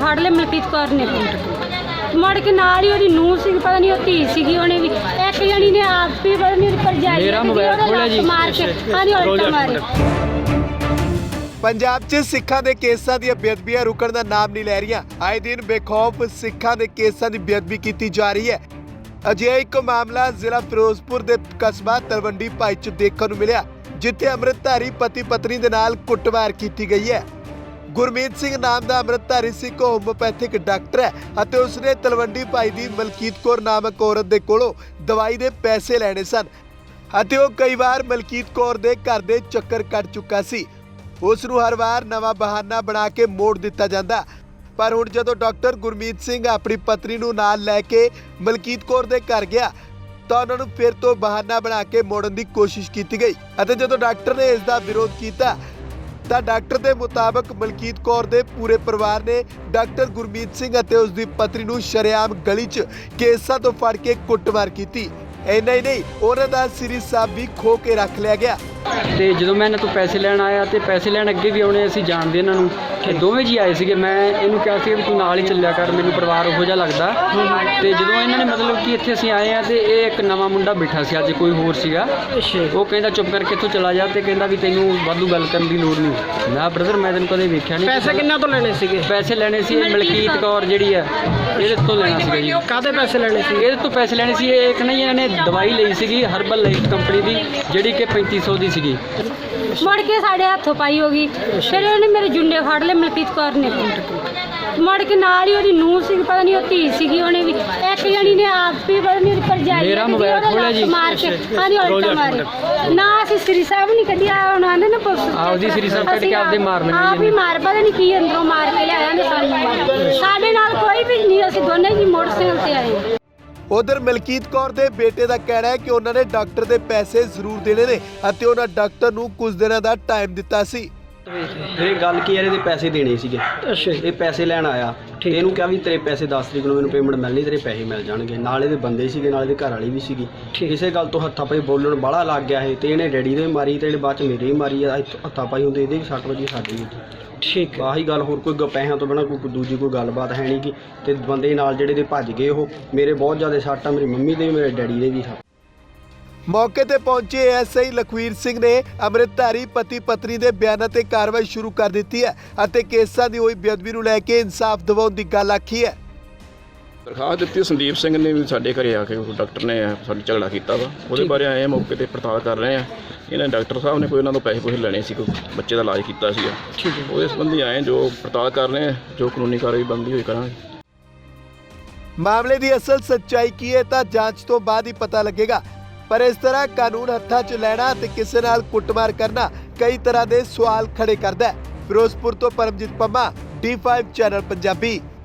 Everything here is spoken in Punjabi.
ਫੜ ਲਏ ਮਲਕੀਤ ਕੌਰ ਨੇ ਮੁੜ ਕੇ ਨਾਲ ਹੀ ਉਹਦੀ ਨੂੰਹ ਸੀ, ਪਤਾ ਨਹੀਂ ਉਹ ਧੀ ਸੀਗੀ, ਉਹਨੇ ਵੀ ਇੱਕ ਜਣੀ ਨੇ ਆਪ ਵੀ ਪਤਾ ਨਹੀਂ ਭਰਜਾਈ ਮੇਰਾ ਮੋਬਾਈਲ ਖੋਲਿਆ ਜੀ ਮਾਰ ਕੇ ਹਾਂਜੀ ਉਲਟਾ ਮਾਰੇ। ਪੰਜਾਬ 'ਚ ਸਿੱਖਾਂ ਦੇ ਕੇਸਾਂ ਦੀਆਂ ਬੇਅਦਬੀਆਂ ਰੁਕਣ ਦਾ ਨਾਮ ਨਹੀਂ ਲੈ ਰਹੀਆਂ। ਆਏ ਦਿਨ ਬੇਖੌਫ ਸਿੱਖਾਂ ਦੇ ਕੇਸਾਂ ਦੀ ਬੇਅਦਬੀ ਕੀਤੀ ਜਾ ਰਹੀ ਹੈ। ਅਜਿਹਾ ਇੱਕ ਮਾਮਲਾ ਜ਼ਿਲ੍ਹਾ ਫਿਰੋਜ਼ਪੁਰ ਦੇ ਕਸਬਾ ਤਲਵੰਡੀ ਭਾਈ 'ਚ ਦੇਖਣ ਨੂੰ ਮਿਲਿਆ, ਜਿੱਥੇ ਅੰਮ੍ਰਿਤਧਾਰੀ ਪਤੀ ਪਤਨੀ ਦੇ ਨਾਲ ਕੁੱਟਮਾਰ ਕੀਤੀ ਗਈ ਹੈ। ਗੁਰਮੀਤ ਸਿੰਘ ਨਾਮ ਦਾ ਅੰਮ੍ਰਿਤਧਾਰੀ ਸਿੱਖ ਹੋਮੋਪੈਥਿਕ ਡਾਕਟਰ ਹੈ ਅਤੇ ਉਸਨੇ ਤਲਵੰਡੀ ਭਾਈ ਦੀ ਮਲਕੀਤ ਕੌਰ ਨਾਮਕ ਔਰਤ ਦੇ ਕੋਲੋਂ ਦਵਾਈ ਦੇ ਪੈਸੇ ਲੈਣੇ ਸਨ ਅਤੇ ਉਹ ਕਈ ਵਾਰ ਮਲਕੀਤ ਕੌਰ ਦੇ ਘਰ ਦੇ ਚੱਕਰ ਕੱਟ ਚੁੱਕਾ ਸੀ। ਉਸ ਨੂੰ ਹਰ ਵਾਰ ਨਵਾਂ ਬਹਾਨਾ ਬਣਾ ਕੇ ਮੋੜ ਦਿੱਤਾ ਜਾਂਦਾ, ਪਰ ਹੁਣ ਜਦੋਂ ਡਾਕਟਰ ਗੁਰਮੀਤ ਸਿੰਘ ਆਪਣੀ ਪਤਨੀ ਨੂੰ ਨਾਲ ਲੈ ਕੇ ਮਲਕੀਤ ਕੌਰ ਦੇ ਘਰ ਗਿਆ ਤਾਂ ਉਹਨਾਂ ਨੂੰ ਫਿਰ ਤੋਂ ਬਹਾਨਾ ਬਣਾ ਕੇ ਮੋੜਨ ਦੀ ਕੋਸ਼ਿਸ਼ ਕੀਤੀ ਗਈ ਅਤੇ ਜਦੋਂ ਡਾਕਟਰ ਨੇ ਇਸ ਦਾ ਵਿਰੋਧ ਕੀਤਾ ਤਾਂ ਡਾਕਟਰ ਦੇ ਮੁਤਾਬਕ ਮਲਕੀਤ ਕੌਰ ਦੇ ਪੂਰੇ ਪਰਿਵਾਰ ਨੇ ਡਾਕਟਰ ਗੁਰਮੀਤ ਸਿੰਘ ਅਤੇ ਉਸ ਦੀ ਪਤਨੀ ਨੂੰ ਸ਼ਰੇਆਮ ਗਲੀ 'ਚ ਕੇਸਾਂ ਤੋਂ ਫੜ ਕੇ ਕੁੱਟਮਾਰ ਕੀਤੀ। ਇੰਨਾ ਹੀ ਨਹੀਂ, ਉਹਨਾਂ ਦਾ ਸ੍ਰੀ ਸਾਹਿਬ ਵੀ ਖੋ ਕੇ ਰੱਖ ਲਿਆ ਗਿਆ। ਤੇ ਜਦੋਂ ਮੈਂ ਇਹਨਾਂ ਤੋਂ ਪੈਸੇ ਲੈਣ ਆਇਆ ਤੇ ਪੈਸੇ ਲੈਣ ਅੱਗੇ ਵੀ ਆਉਣੇ, ਅਸੀਂ ਜਾਣਦੇ ਇਹਨਾਂ ਨੂੰ, ਤੇ ਦੋਵੇਂ ਜੀ ਆਏ ਸੀਗੇ। ਮੈਂ ਇਹਨੂੰ ਕਿਹਾ ਸੀ ਵੀ ਤੂੰ ਨਾਲ ਹੀ ਚੱਲਿਆ ਕਰ, ਮੈਨੂੰ ਪਰਿਵਾਰ ਉਹੋ ਜਿਹਾ ਲੱਗਦਾ। ਤੇ ਜਦੋਂ ਇਹਨਾਂ ਨੇ ਮਤਲਬ ਕਿ ਇੱਥੇ ਅਸੀਂ ਆਏ ਆ ਤੇ ਇਹ ਇੱਕ ਨਵਾਂ ਮੁੰਡਾ ਬੈਠਾ ਸੀ, ਅੱਜ ਕੋਈ ਹੋਰ ਸੀਗਾ, ਉਹ ਕਹਿੰਦਾ ਚੁੱਪ ਕਰਕੇ ਇੱਥੋਂ ਚਲਾ ਜਾ ਤੇ ਕਹਿੰਦਾ ਵੀ ਤੈਨੂੰ ਵਾਧੂ ਗੱਲ ਕਰਨ ਦੀ ਲੋੜ ਨਹੀਂ। ਮੈਂ ਬ੍ਰਦਰ ਮੈਂ ਤੈਨੂੰ ਕਦੇ ਵੇਖਿਆ ਨਹੀਂ। ਪੈਸੇ ਕਿੰਨਾ ਤੋਂ ਲੈਣੇ ਸੀਗੇ? ਪੈਸੇ ਲੈਣੇ ਸੀ ਮਲਕੀਤ ਕੌਰ ਜਿਹੜੀ ਆ ਇਹਦੇ ਤੋਂ ਲੈਣਾ ਸੀਗਾ ਜੀ। ਕਾਹਦੇ ਪੈਸੇ ਲੈਣੇ ਸੀ? ਇਹਦੇ ਤੋਂ ਪੈਸੇ ਲੈਣੇ ਸੀ। ਇਹ ਇੱਕ ਨਹੀਂ ਇਹਨਾਂ ਨੇ ਦਵਾਈ ਲਈ ਸੀਗੀ ਹਰਬਲ ਲਾਈਫ ਕੰਪਨੀ ਦੀ, ਜਿਹੜੀ ਕਿ 3500 ਦੀ ਸੀਗੀ। ਮੁੜ ਕੇ ਸਾਡੇ ਹੱਥੋਂ ਪਾਈ ਹੋ ਗਈ, ਫਿਰ ਉਹਨੇ ਮੇਰੇ ਜੁੰਡੇ ਫੜ ਲਏ ਮਲਕੀਤ ਕੌਰ ਨੇ ਮੁੜ ਕੇ ਨਾਲ ਹੀ ਉਹਦੀ ਨੂੰਹ ਸੀ, ਪਤਾ ਨਹੀਂ ਉਹ ਧੀ ਸੀਗੀ, ਉਹਨੇ ਵੀ ਇੱਕ ਜਣੀ ਨੇ ਆਪ ਵੀ ਪਤਾ ਨਹੀਂ ਭਰਜਾਈ ਮੇਰਾ ਮੋਬਾਈਲ ਖੋਲਿਆ ਜੀ ਮਾਰ ਕੇ ਹਾਂਜੀ ਉਲਟਾ ਮਾਰੇ। ਨਾ ਅਸੀਂ ਸ੍ਰੀ ਸਾਹਿਬ ਨਹੀਂ ਕੱਢਿਆ, ਉਹਨਾਂ ਆਂਦੇ ਨਾ ਪੁਲਿਸ ਆਪਦੀ ਸ੍ਰੀ ਸਾਹਿਬ ਕੱਢ ਕੇ ਆਪਦੇ ਮਾਰਨੇ ਆਪ ਹੀ ਮਾਰ, ਪਤਾ ਨਹੀਂ ਕੀ ਅੰਦਰੋਂ ਮਾਰ ਕੇ ਲਿਆਇਆ ਨੇ ਸਾਨੂੰ। ਸਾਡੇ ਨਾਲ ਕੋਈ ਵੀ ਨਹੀਂ, ਅਸੀਂ ਦੋਨੇ ਜੀ ਮੋਟਰਸਾਈਕਲ ਤੇ ਆਏ। ਉਧਰ ਮਲਕੀਤ ਕੌਰ ਦੇ ਬੇਟੇ ਦਾ ਕਹਿਣਾ ਹੈ ਕਿ ਉਹਨਾਂ ਨੇ ਡਾਕਟਰ ਦੇ ਪੈਸੇ ਜ਼ਰੂਰ ਦੇਣੇ ਨੇ ਅਤੇ ਉਹਨਾਂ ਡਾਕਟਰ ਨੂੰ ਕੁਝ ਦਿਨਾਂ ਦਾ ਟਾਈਮ ਦਿੱਤਾ ਸੀ। ਇਹ ਗੱਲ ਕੀ ਹੈ, ਇਹਦੇ ਪੈਸੇ ਦੇਣੇ ਸੀਗੇ। ਅੱਛਾ ਇਹ ਪੈਸੇ ਲੈਣ ਆਇਆ ਤੇ ਇਹਨੂੰ ਕਿਹਾ ਵੀ ਤੇਰੇ ਪੈਸੇ 10 ਤਰੀਕ ਨੂੰ ਮੈਨੂੰ ਪੇਮੈਂਟ ਮਿਲਣੀ, ਤੇਰੇ ਪੈਸੇ ਮਿਲ ਜਾਣਗੇ। ਨਾਲ ਇਹਦੇ ਬੰਦੇ ਸੀਗੇ, ਨਾਲ ਇਹਦੇ ਘਰ ਵਾਲੀ ਵੀ ਸੀਗੀ। ਇਸੇ ਗੱਲ ਤੋਂ ਹੱਥਾਂ ਪਾਈ ਬੋਲਣ ਬਾਹਲਾ ਲੱਗ ਗਿਆ ਇਹ, ਤੇ ਇਹਨੇ ਡੈਡੀ ਦੇ ਵੀ ਮਾਰੀ ਤੇ ਇਹਨੇ ਬਾਅਦ ਚ ਮੇਰੇ ਵੀ ਮਾਰੀ ਆ। ਹੱਥਾਂ ਪਾਈ ਹੁੰਦੇ ਇਹਦੇ ਵੀ 60 ਵਜੇ ਸਾਡੀ ਵੀ। ਠੀਕ ਆਹੀ ਗੱਲ, ਹੋਰ ਕੋਈ ਪੈਸਿਆਂ ਤੋਂ ਬਿਨਾਂ ਕੋਈ ਦੂਜੀ ਕੋਈ ਗੱਲਬਾਤ ਹੈ ਨਹੀਂ ਗੀ। ਤੇ ਬੰਦੇ ਨਾਲ ਜਿਹੜੇ ਦੇ ਭੱਜ ਗਏ, ਉਹ ਮੇਰੇ ਬਹੁਤ ਜ਼ਿਆਦਾ ਸੱਟ ਆ, ਮੇਰੀ ਮੰਮੀ ਦੇ ਵੀ ਮੇਰੇ ਡੈਡੀ ਦੇ ਵੀ। ਮੌਕੇ ਤੇ ਪਹੁੰਚੇ ਐਸਆਈ ਲਖਵੀਰ ਸਿੰਘ ਨੇ ਅੰਮ੍ਰਿਤਧਾਰੀ ਪਤੀ ਪਤਨੀ ਦੇ ਬਿਆਨਾਂ ਤੇ ਕਾਰਵਾਈ ਸ਼ੁਰੂ ਕਰ ਦਿੱਤੀ ਹੈ ਅਤੇ ਕੇਸਾਂ ਦੀ ਹੋਈ ਬੇਅਦਬੀ ਨੂੰ ਲੈ ਕੇ ਇਨਸਾਫ ਦਿਵਾਉਣ ਦੀ ਗੱਲ ਆਖੀ ਹੈ। ਦਰਖਾਸਤ ਦਿੱਤੀ ਸੰਦੀਪ ਸਿੰਘ ਨੇ ਵੀ ਸਾਡੇ ਘਰੇ ਆ ਕੇ ਡਾਕਟਰ ਨੇ ਸਾਡੇ ਝਗੜਾ ਕੀਤਾ ਵਾ, ਉਹਦੇ ਬਾਰੇ ਆਏ ਆ, ਮੌਕੇ ਤੇ ਪੜਤਾਲ ਕਰ ਰਹੇ ਆ। ਇਹਨਾਂ ਡਾਕਟਰ ਸਾਹਿਬ ਨੇ ਕੋਈ ਉਹਨਾਂ ਤੋਂ ਪੈਸੇ ਲੈਣੇ ਸੀ, ਕੋਈ ਬੱਚੇ ਦਾ ਇਲਾਜ ਕੀਤਾ ਸੀਗਾ, ਉਹਦੇ ਸੰਬੰਧੀ ਆਏ ਜੋ ਪੜਤਾਲ ਕਰ ਰਹੇ ਆ, ਜੋ ਕਾਨੂੰਨੀ ਕਾਰਵਾਈ ਬਣਦੀ ਹੋਈ ਕਰਾਂਗੇ। ਮਾਮਲੇ ਦੀ ਅਸਲ ਸੱਚਾਈ ਕੀ ਹੈ ਤਾਂ ਜਾਂਚ ਤੋਂ ਬਾਅਦ ਹੀ ਪਤਾ ਲੱਗੇਗਾ, ਪਰ ਇਸ ਤਰ੍ਹਾਂ ਕਾਨੂੰਨ ਹੱਥਾਂ 'ਚ ਲੈਣਾ ਤੇ ਕਿਸੇ ਨਾਲ ਕੁੱਟਮਾਰ ਕਰਨਾ ਕਈ ਤਰ੍ਹਾਂ ਦੇ ਸਵਾਲ ਖੜੇ ਕਰਦਾ ਹੈ। ਫਿਰੋਜ਼ਪੁਰ ਤੋਂ ਪਰਮਜੀਤ ਪੰਮਾ, D5 ਚੈਨਲ ਪੰਜਾਬੀ।